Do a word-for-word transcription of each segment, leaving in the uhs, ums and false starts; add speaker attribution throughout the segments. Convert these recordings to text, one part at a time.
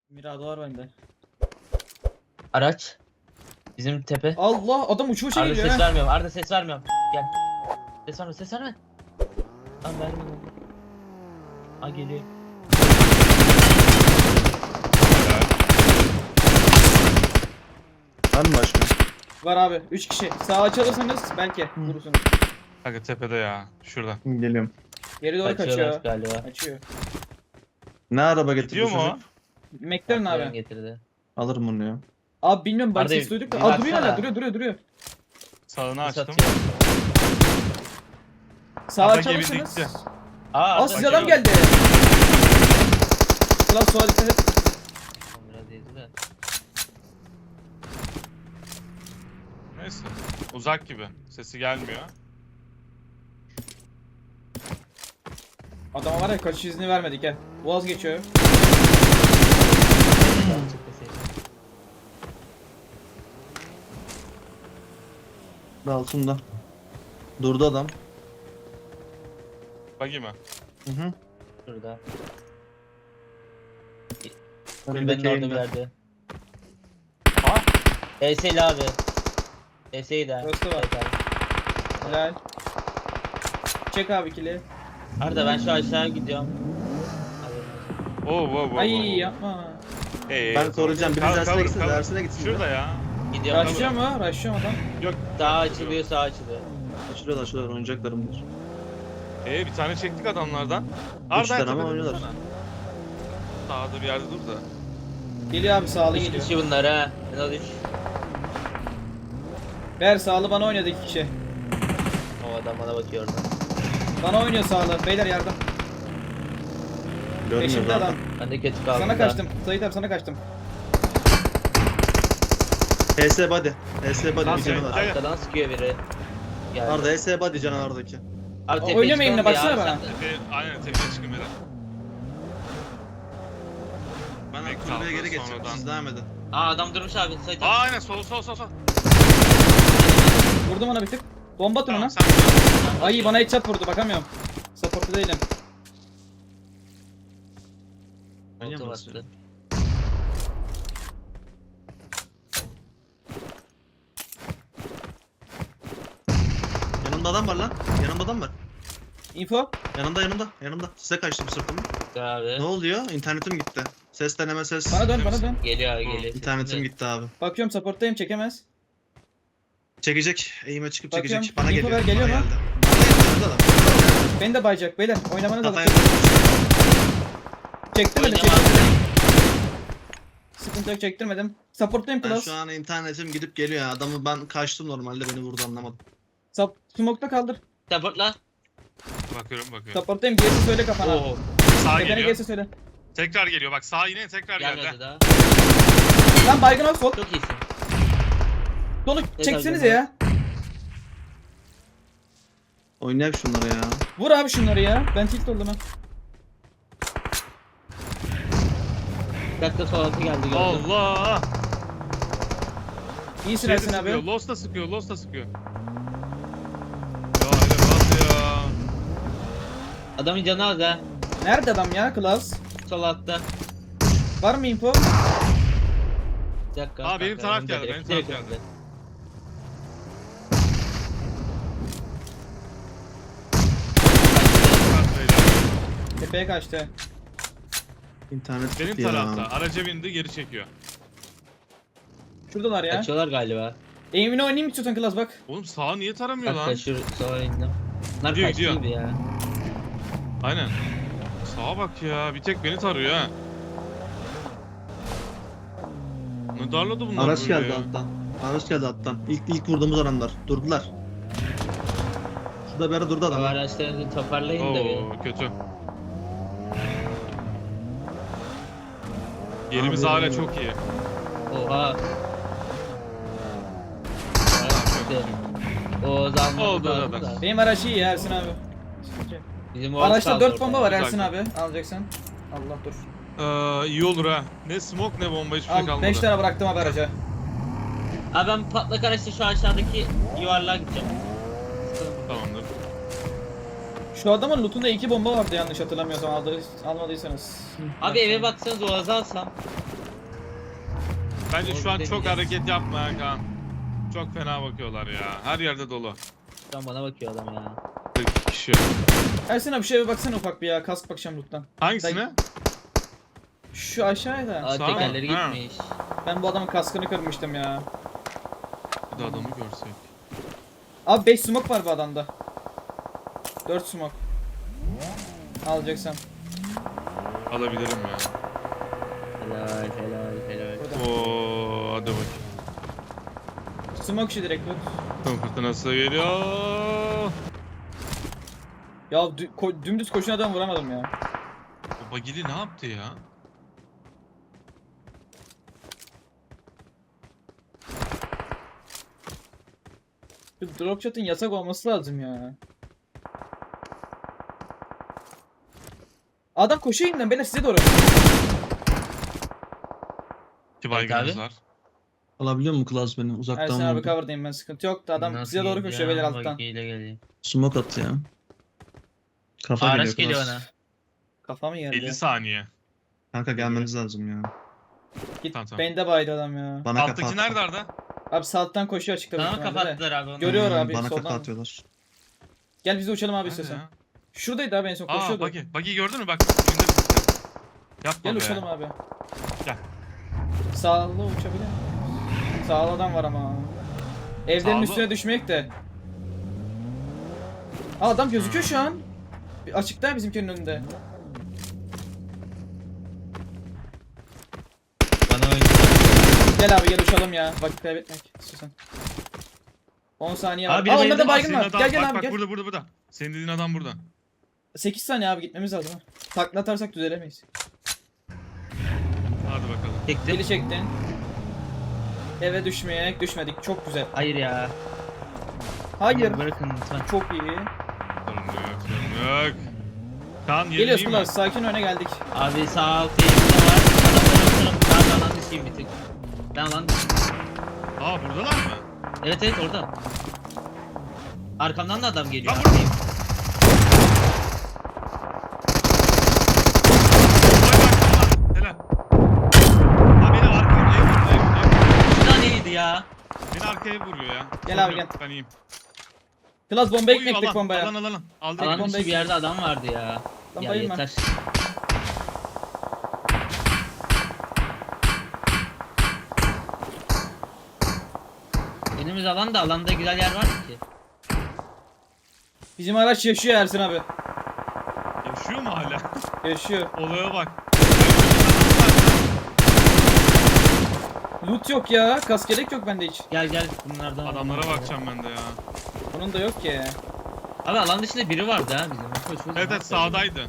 Speaker 1: Mirado var bende.
Speaker 2: Araç. Bizim tepe.
Speaker 1: Allah adam uçu uça
Speaker 2: Arda
Speaker 1: geliyor
Speaker 2: ses
Speaker 1: ha.
Speaker 2: vermiyorum. Arda ses vermiyorum. Gel. Ses verme, ses verme. Tamam verme. Ha geliyor.
Speaker 3: Var mı başka?
Speaker 1: Var abi üç kişi. Sağa açılırsanız belki vurursunuz.
Speaker 4: Kanka tepede ya. Şurada.
Speaker 3: Geliyorum.
Speaker 1: Geri doğru
Speaker 2: Kaçıyorlar
Speaker 1: kaçıyor.
Speaker 2: galiba.
Speaker 1: Açıyor.
Speaker 3: Ne araba getirdi
Speaker 4: Gidiyor mu o?
Speaker 3: çocuk?
Speaker 1: McLaren
Speaker 2: Patlayan
Speaker 1: abi.
Speaker 2: getirdi.
Speaker 3: Alırım bunu ya.
Speaker 1: Abi bilmiyorum bak
Speaker 2: Arda,
Speaker 1: ses duyduk da.
Speaker 2: bir
Speaker 1: Aa duruyor
Speaker 2: baksana.
Speaker 1: hala duruyor duruyor duruyor.
Speaker 4: Sağını
Speaker 2: Ses
Speaker 4: açtım.
Speaker 2: atıyor.
Speaker 1: Sağa
Speaker 4: Arda
Speaker 1: açılırsanız.
Speaker 4: geridikçe.
Speaker 2: Aa
Speaker 1: Aa
Speaker 2: Arda.
Speaker 1: size adam
Speaker 4: bakıyorum.
Speaker 1: geldi. Ulan sola dikkat et.
Speaker 2: Biraz yedi de.
Speaker 4: Neyse. Uzak gibi. Sesi gelmiyor.
Speaker 1: Adama var ya kaçış izni vermedik ha. Boğaz geçiyor.
Speaker 3: Altında. Durdu adam.
Speaker 4: Bagi mi?
Speaker 3: Hı hı.
Speaker 2: Şurada.
Speaker 3: Önündeki
Speaker 2: Kulübenin orada bir
Speaker 3: eğimde.
Speaker 2: yerde. Aa. E S'li abi. E S'yi de.
Speaker 1: Burası da var.
Speaker 2: Evet abi.
Speaker 1: Helal. Çek abi kili.
Speaker 2: Arda ben şu aşağı gidiyorum. Haberin olsun.
Speaker 4: Oo wow wow.
Speaker 1: Ay
Speaker 4: wow.
Speaker 1: yapma.
Speaker 4: Hey,
Speaker 3: Ben
Speaker 4: hey,
Speaker 3: koruyacağım.
Speaker 4: cover,
Speaker 3: Biriniz dersine
Speaker 4: cover,
Speaker 3: gitsin.
Speaker 4: cover.
Speaker 3: Dersine gitsin.
Speaker 4: Şurada ya.
Speaker 2: Gidiyorum.
Speaker 1: Raşlıyor mu? Raşlıyor mu adam?
Speaker 4: Yok.
Speaker 2: Sağ açılıyor, sağ açılıyor.
Speaker 3: Açılıyorlar açılıyorlar. Oynayacaklarımdır.
Speaker 4: Ee bir tane çektik adamlardan.
Speaker 3: Üç tane ama
Speaker 4: tepede
Speaker 3: oynuyorlar.
Speaker 4: dursana. Sağda bir yerde dur da.
Speaker 1: Geliyor abi sağlı
Speaker 2: üç
Speaker 1: geliyor.
Speaker 2: kişi bunlar ha. En az üç.
Speaker 1: Ver sağlı bana oynadı iki kişi.
Speaker 2: O adam bana bakıyor orada.
Speaker 1: Bana oynuyor sağlı. Beyler yardım.
Speaker 3: Görmüyoruz
Speaker 1: Peşimde
Speaker 3: abi.
Speaker 1: adam.
Speaker 2: Ben de kötü kaldım.
Speaker 1: Sana
Speaker 2: da.
Speaker 1: kaçtım. Sait abi sana kaçtım.
Speaker 3: H S body. H S body
Speaker 4: Lan
Speaker 3: bir
Speaker 4: sen-
Speaker 3: canı var.
Speaker 4: Gel.
Speaker 2: Arkadan sıkıyor biri. Geldi.
Speaker 3: Arda H S body canavardaki.
Speaker 2: Abi
Speaker 1: O-
Speaker 2: tepeye
Speaker 1: oynamayın
Speaker 2: çıkalım
Speaker 1: da
Speaker 2: ya,
Speaker 1: baksana
Speaker 2: abi
Speaker 1: bana.
Speaker 2: sen de.
Speaker 4: Tepe, aynen tepeye çıkın beyler.
Speaker 3: Ben
Speaker 4: Mek
Speaker 3: kulübeye
Speaker 4: kaldı,
Speaker 3: geri geçeceğim.
Speaker 4: sonradan.
Speaker 3: Siz devam edin.
Speaker 2: Aa adam durmuş abi. Sait
Speaker 4: Aa
Speaker 2: abi.
Speaker 4: aynen sol sol sol sol.
Speaker 1: Vurdum ona bir tık. Bomba atın ona.
Speaker 4: Tamam sen.
Speaker 1: Ay bana headshot vurdu bakamıyorum. Support'ta değilim.
Speaker 3: Manyak
Speaker 2: Oltu
Speaker 3: mısın?
Speaker 2: bastı.
Speaker 3: Yanımda adam var lan. Yanımda adam var.
Speaker 1: Info.
Speaker 3: Yanımda yanımda. Yanımda. Size kaçtım sırtımı.
Speaker 2: Abi.
Speaker 3: Ne oluyor? İnternetim gitti. Ses deneme ses.
Speaker 1: Bana dön bana dön.
Speaker 2: Geliyor abi geliyor.
Speaker 3: İnternetim gitti abi.
Speaker 1: Bakıyorum support'tayım çekemez.
Speaker 3: Çekecek. Eğime çıkıp
Speaker 1: Bakıyorum.
Speaker 3: çekecek. Bana
Speaker 1: Info
Speaker 3: geliyor.
Speaker 1: ver, geliyor
Speaker 3: Bana
Speaker 1: mu?
Speaker 3: geldi. Bana geldi. Yanımda adam.
Speaker 1: Beni de bayacak beyler. Oynamanız lazım.
Speaker 3: Kafaya
Speaker 1: Çektirmedim
Speaker 2: Oynamam.
Speaker 1: çektirmedim. Sıkıntı yok çektirmedim. Support'tayım
Speaker 3: Ben
Speaker 1: plus.
Speaker 3: şu an internetim gidip geliyor ya. Adamı ben kaçtım normalde beni vurdu anlamadım.
Speaker 1: Sub smoke'ta kaldır.
Speaker 2: Supportla.
Speaker 4: Bakıyorum bakıyorum.
Speaker 1: Support'tayım gerisi söyle kafana.
Speaker 2: Oo.
Speaker 4: Sağ
Speaker 1: Tepene
Speaker 4: geliyor.
Speaker 1: gerisi söyle.
Speaker 4: Tekrar geliyor. Bak sağ yine tekrar
Speaker 2: Gelmedi
Speaker 4: geldi.
Speaker 2: daha.
Speaker 1: Lan baygın ol sol.
Speaker 2: Çok iyisin.
Speaker 1: Solu
Speaker 2: Ne
Speaker 1: çeksenize ya.
Speaker 3: Oynayalım şunları ya.
Speaker 1: Vur abi şunları ya. Ben tilt oldum ha.
Speaker 2: Bir dakika sol altı geldi gördüm.
Speaker 4: Allah.
Speaker 1: İyisin
Speaker 4: Şey de
Speaker 1: Ersin
Speaker 4: sıkıyor.
Speaker 1: abi.
Speaker 4: Lost da sıkıyor. Lost da sıkıyor. Ya öyle bas ya.
Speaker 2: Adamın canı az ha.
Speaker 1: Nerede adam ya Klaus?
Speaker 2: Sol altta.
Speaker 1: Var mı info?
Speaker 2: Bir dakika.
Speaker 4: Aa, benim
Speaker 2: kanka,
Speaker 4: taraf
Speaker 2: önümde
Speaker 4: geldi,
Speaker 2: direkt,
Speaker 4: benim taraf
Speaker 2: direkt
Speaker 4: geldi.
Speaker 2: önümde.
Speaker 1: Tepeye kaçtı.
Speaker 3: İnternet
Speaker 4: Benim
Speaker 3: gitti ya.
Speaker 4: tarafta. Araca bindi geri çekiyor.
Speaker 1: Şuradalar ya.
Speaker 2: Kaçıyorlar galiba.
Speaker 1: Aim'ini oynayayım istiyorsan Klaus bak.
Speaker 4: Oğlum sağa niye taramıyor
Speaker 2: Bak
Speaker 4: lan?
Speaker 2: kaçıyor sola indim. Bunlar
Speaker 4: Gidiyor,
Speaker 2: kaçtı
Speaker 4: gidiyor.
Speaker 2: gibi ya.
Speaker 4: Aynen. Sağa bak ya. Bir tek beni tarıyor ha. Ne darladı bunlar
Speaker 3: Araç
Speaker 4: böyle
Speaker 3: geldi
Speaker 4: ya?
Speaker 3: alttan. Araç geldi alttan. İlk ilk vurduğumuz adamlar. Durdular. Şurada bir ara durdu
Speaker 2: Bu
Speaker 3: adam. ha.
Speaker 2: araçlarını toparlayın da bir.
Speaker 4: Oo kötü. Yerimiz
Speaker 3: Abi,
Speaker 4: hala
Speaker 3: abi.
Speaker 4: çok iyi.
Speaker 2: Oha. Evet, o zaman
Speaker 4: Oldu
Speaker 2: lazım
Speaker 4: zaten.
Speaker 2: da.
Speaker 1: Benim araç iyi ya Ersin abi.
Speaker 2: Bizim Oğuz
Speaker 1: Araçta
Speaker 2: kaldı
Speaker 1: dört
Speaker 2: orada.
Speaker 1: bomba var
Speaker 4: Güzel.
Speaker 1: Ersin abi. Alacaksan. Allah dur.
Speaker 4: Ee, iyi olur ha. Ne smoke ne bomba hiçbir şey
Speaker 1: Al
Speaker 4: kalmadı.
Speaker 1: beş tane bıraktım abi araca.
Speaker 2: Abi ben patlak araçla şu aşağıdaki yuvarlığa gideceğim.
Speaker 4: Tamamdır.
Speaker 1: Şu adamın lootunda iki bomba vardı yanlış hatırlamıyorsam aldı, almadıysanız.
Speaker 2: Abi eve baksanız Oğuz'u alsam.
Speaker 4: Bence şu an
Speaker 2: Orada
Speaker 4: çok
Speaker 2: deneyeceğiz.
Speaker 4: hareket yapma ha Kaan. Çok fena bakıyorlar ya. Her yerde dolu.
Speaker 2: Tam bana bakıyor adam ya.
Speaker 4: kırk kişi.
Speaker 1: Ersin abi şeye bir baksana ufak bir ya. Kask bakacağım loot'tan.
Speaker 4: Hangisine?
Speaker 1: Şu aşağıya da.
Speaker 2: Aa
Speaker 4: Sağ mı?
Speaker 2: tekerleri
Speaker 4: Ha.
Speaker 2: gitmiş.
Speaker 1: Ben bu adamın kaskını kırmıştım ya.
Speaker 4: Bir de adamı görsek.
Speaker 1: Abi beş smoke var bu adamda. dört smoke. Alacaksam.
Speaker 4: Alabilirim ya.
Speaker 2: Helal helal helal.
Speaker 1: Burada.
Speaker 4: Oo, hadi bakayım.
Speaker 1: Smoke işi direkt loot.
Speaker 4: Kum fırtınası geliyor.
Speaker 1: Ya dü- ko- dümdüz koşun adam vuramadım ya.
Speaker 4: O Bagili ne yaptı ya?
Speaker 1: Şu drop shot'ın yasak olması lazım ya. Adam koşuyor yeniden beyler size doğru.
Speaker 4: İki
Speaker 2: Evet
Speaker 4: baygınımız
Speaker 2: abi.
Speaker 4: var.
Speaker 3: Alabiliyor mu Klaus beni? Uzaktan
Speaker 1: Ersin abi
Speaker 3: vurdu.
Speaker 1: cover'dayım ben sıkıntı yok da adam
Speaker 2: Nasıl
Speaker 1: size doğru
Speaker 2: geliyor
Speaker 1: koşuyor
Speaker 2: ya?
Speaker 1: beyler alttan.
Speaker 2: Bagiyle geliyor.
Speaker 3: Smoke attı ya. Kafa
Speaker 2: Araç
Speaker 3: geliyor
Speaker 2: geliyor
Speaker 3: Klaus.
Speaker 2: ona.
Speaker 1: Kafamı yerdi.
Speaker 4: elli saniye.
Speaker 3: Kanka gelmeniz lazım ya.
Speaker 1: Git
Speaker 4: Tamam, tamam.
Speaker 1: bende baydı adam ya.
Speaker 3: Bana kafa
Speaker 4: Alttaki
Speaker 3: attı.
Speaker 4: nerede Arda?
Speaker 1: Abi sağdan koşuyor açıkta. büyük
Speaker 2: Tamam
Speaker 1: ihtimalle de.
Speaker 2: kapattılar abi onu.
Speaker 1: Görüyor
Speaker 3: Hmm,
Speaker 1: abi,
Speaker 3: Bana
Speaker 1: soldan.
Speaker 3: kafa atıyorlar.
Speaker 1: Gel biz de uçalım abi
Speaker 4: Nerede
Speaker 1: istiyorsan.
Speaker 4: ya?
Speaker 1: Şuradaydı abi en son
Speaker 4: Aa
Speaker 1: koşuyordu.
Speaker 4: Bagi. Bagi gördün mü bak. Önünde bir site. Yapma
Speaker 1: Gel
Speaker 4: be.
Speaker 1: uçalım abi.
Speaker 4: Gel.
Speaker 1: Sağlı uçabilir miyim? Sağlı adam var ama. Evlerin
Speaker 4: Sağlı.
Speaker 1: üstüne düşmek de. Aa adam gözüküyor
Speaker 4: Hmm.
Speaker 1: şu an. Bir açıkta bizimkinin önünde.
Speaker 2: Bana oyun.
Speaker 1: Gel abi gel uçalım ya. Vakit kaybetmek istiyorsan. on saniye var.
Speaker 2: Abi,
Speaker 1: Aa
Speaker 2: biri
Speaker 1: onlarda
Speaker 2: bayıldı.
Speaker 1: baygın
Speaker 4: Senin
Speaker 1: var.
Speaker 4: adam-
Speaker 1: Gel gel
Speaker 4: bak,
Speaker 1: abi
Speaker 4: bak,
Speaker 1: gel.
Speaker 4: burada burada burada. Senin dediğin adam burada.
Speaker 1: sekiz saniye abi gitmemiz lazım ha. Takla atarsak düzelemeyiz.
Speaker 4: Hadi bakalım.
Speaker 2: Çektim.
Speaker 1: Deli çektin. Eve düşmeyerek düşmedik. Çok güzel.
Speaker 2: Hayır ya.
Speaker 1: Hayır.
Speaker 2: Bırakın lütfen.
Speaker 1: Çok iyi.
Speaker 4: Sorun yok, sorun yok. Kaan yerin
Speaker 1: Geliyoruz
Speaker 4: iyi mi?
Speaker 1: Kulaç. Sakin öne geldik.
Speaker 2: Abi sağ alt elimde var. Adamların tarafı. Ben de alan dışıyım bir tık. Ben alan dışıyım.
Speaker 4: Aa buradalar mı?
Speaker 2: Evet evet orada. Arkamdan da adam geliyor.
Speaker 4: Lan vur.
Speaker 2: Arkayım.
Speaker 4: Helal. Ha beni arkaya ev vurdu, ev vurdu, ev vurdu.
Speaker 2: Bir taneydi ya.
Speaker 4: Beni arkaya vuruyor ya.
Speaker 1: Gel
Speaker 4: Sorun
Speaker 1: abi,
Speaker 4: yok,
Speaker 1: gel.
Speaker 4: Ben iyiyim.
Speaker 1: Klas bomba
Speaker 4: Oy,
Speaker 1: ekmek
Speaker 4: alan,
Speaker 1: tek bombaya.
Speaker 4: Alan alan. Aldık.
Speaker 1: Alan-
Speaker 2: Alan
Speaker 1: bomba
Speaker 2: dışı bir yerde adam vardı ya.
Speaker 1: Lan
Speaker 2: Ya
Speaker 1: bayılma.
Speaker 2: yeter. Önümüz alan da alanda güzel yer var mı ki?
Speaker 1: Bizim araç yaşıyor Ersin abi.
Speaker 4: Yaşıyor mu hala?
Speaker 1: Yaşıyor.
Speaker 4: Olaya bak.
Speaker 1: Loot yok ya. Kaskelek yok bende hiç.
Speaker 2: Gel gel bunlardan.
Speaker 4: Adamlara bakacağım ben de ya.
Speaker 1: Bunun da yok ki.
Speaker 2: Abi alan dışında biri vardı ha bizim. Koşuyoruz.
Speaker 4: Evet evet sağdaydı.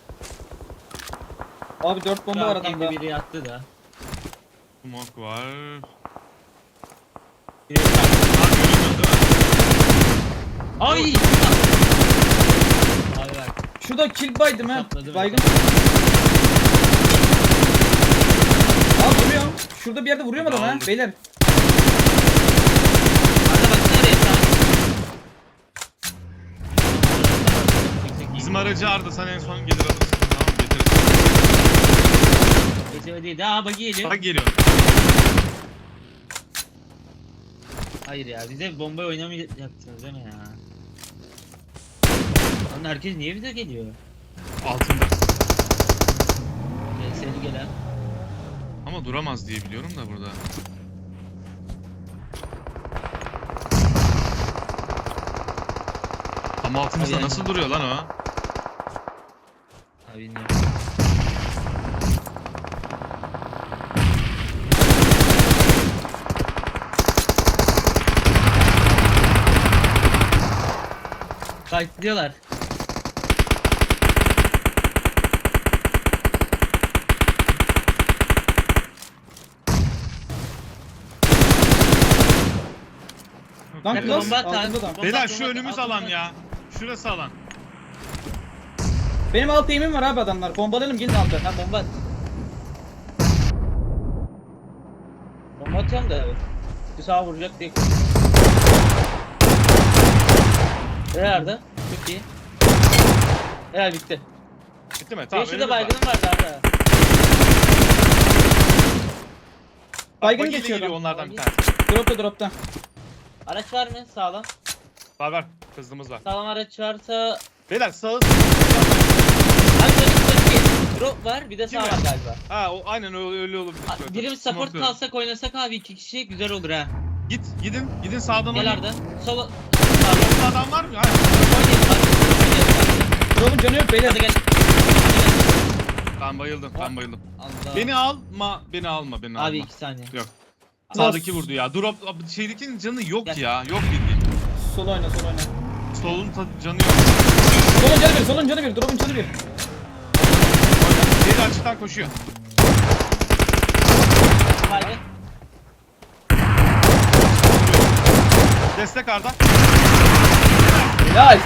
Speaker 1: Abi dört bomba var adamda.
Speaker 2: Biri yattı da.
Speaker 4: Smoke var.
Speaker 2: Biri yattı.
Speaker 4: Ha görüyorsun değil mi?
Speaker 2: Ay! Abi bak.
Speaker 1: Şurada kill baydım ha.
Speaker 2: Sapladı
Speaker 1: Baygın. Abi vuruyorum. Şurada bir yerde vuruyorum adamı ha.
Speaker 4: Aldık.
Speaker 1: Beyler.
Speaker 2: Arda baksana oraya sağ.
Speaker 4: Bizim aracı Arda sen en son gelir alırsın. Tamam getiririz.
Speaker 2: Geçemedi değil. Aa bagi geliyor.
Speaker 4: Bak geliyor.
Speaker 2: Hayır ya bize bombayı oynamayacaksınız değil mi ya? Lan herkes niye bize geliyor?
Speaker 4: Altında.
Speaker 2: Seni gelen.
Speaker 4: Ama duramaz diye biliyorum da burada. Ama altımızda
Speaker 2: Abi yani-
Speaker 4: nasıl duruyor lan o?
Speaker 2: Abi bilmiyorum. Fightlıyorlar.
Speaker 1: Lan
Speaker 2: Yakın
Speaker 1: Klas
Speaker 2: bomba at abi.
Speaker 1: altında da.
Speaker 2: Bomba
Speaker 4: Beyler
Speaker 2: at,
Speaker 4: şu
Speaker 2: bomba at,
Speaker 4: önümüz
Speaker 2: at,
Speaker 4: alan
Speaker 2: bomba at.
Speaker 4: ya. Şurası alan.
Speaker 1: Benim alt eğimim var abi adamlar. Bombalayalım gelin altı.
Speaker 2: Ha bomba at. Bomba atıyorum da abi. Bir sağa vuracak diye. Nerede? Çok iyi. Helal bitti.
Speaker 4: Bitti mi?
Speaker 2: Tamam,
Speaker 4: Tamam.
Speaker 2: şurada
Speaker 4: önümüz var.
Speaker 2: baygınım vardı Arda.
Speaker 1: Baygın
Speaker 4: Bagiyle
Speaker 1: geçiyor
Speaker 4: geliyor
Speaker 1: adam.
Speaker 4: onlardan bir
Speaker 2: Bagi.
Speaker 4: tanesi.
Speaker 1: Dropta dropta.
Speaker 2: Araç var mı sağlam?
Speaker 4: Var var. Hızlımız var.
Speaker 2: Sağlam araç varsa...
Speaker 4: Beyler sağı...
Speaker 2: Abi önümüzde drop var bir de sağ
Speaker 4: Kim
Speaker 2: var
Speaker 4: var?
Speaker 2: galiba.
Speaker 4: Ha o aynen öyle, öyle olabilir.
Speaker 2: A-
Speaker 4: şöyle.
Speaker 2: Birimiz support
Speaker 4: Smoke'luyorum.
Speaker 2: kalsak oynasak abi iki kişi güzel olur ha.
Speaker 4: Git gidin gidin sağdan
Speaker 2: Gel
Speaker 4: oynayın.
Speaker 2: Arda. Sola...
Speaker 4: Solda adam var mı? Hayır.
Speaker 2: Oynayalım abi. Oynayalım.
Speaker 1: Drop'un canı yok beyler.
Speaker 2: Hadi gel.
Speaker 4: Ben bayıldım ben bayıldım.
Speaker 2: Allah.
Speaker 4: Beni alma beni alma beni
Speaker 2: Abi
Speaker 4: alma.
Speaker 2: iki saniye.
Speaker 4: Yok. Sağdaki vurdu ya. Drop şeydekinin canı yok
Speaker 2: Gel.
Speaker 4: ya. Yok bildiğin.
Speaker 1: Sol oyna sol oyna.
Speaker 4: Solun tadı canı yok.
Speaker 1: Solun canı bir solun canı bir. Drop'un canı bir.
Speaker 4: Diğeri açıktan koşuyor.
Speaker 2: Haydi.
Speaker 4: Destek Arda.
Speaker 1: Helal.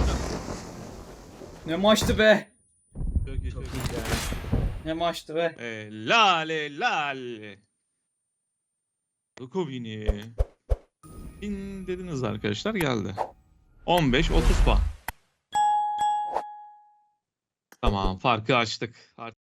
Speaker 1: Ne maçtı be.
Speaker 4: Çok iyi, çok iyi.
Speaker 1: Ne maçtı be.
Speaker 4: Helal helal. Lukovini. İn dediniz arkadaşlar geldi. on beş otuz puan. Tamam farkı açtık. Artık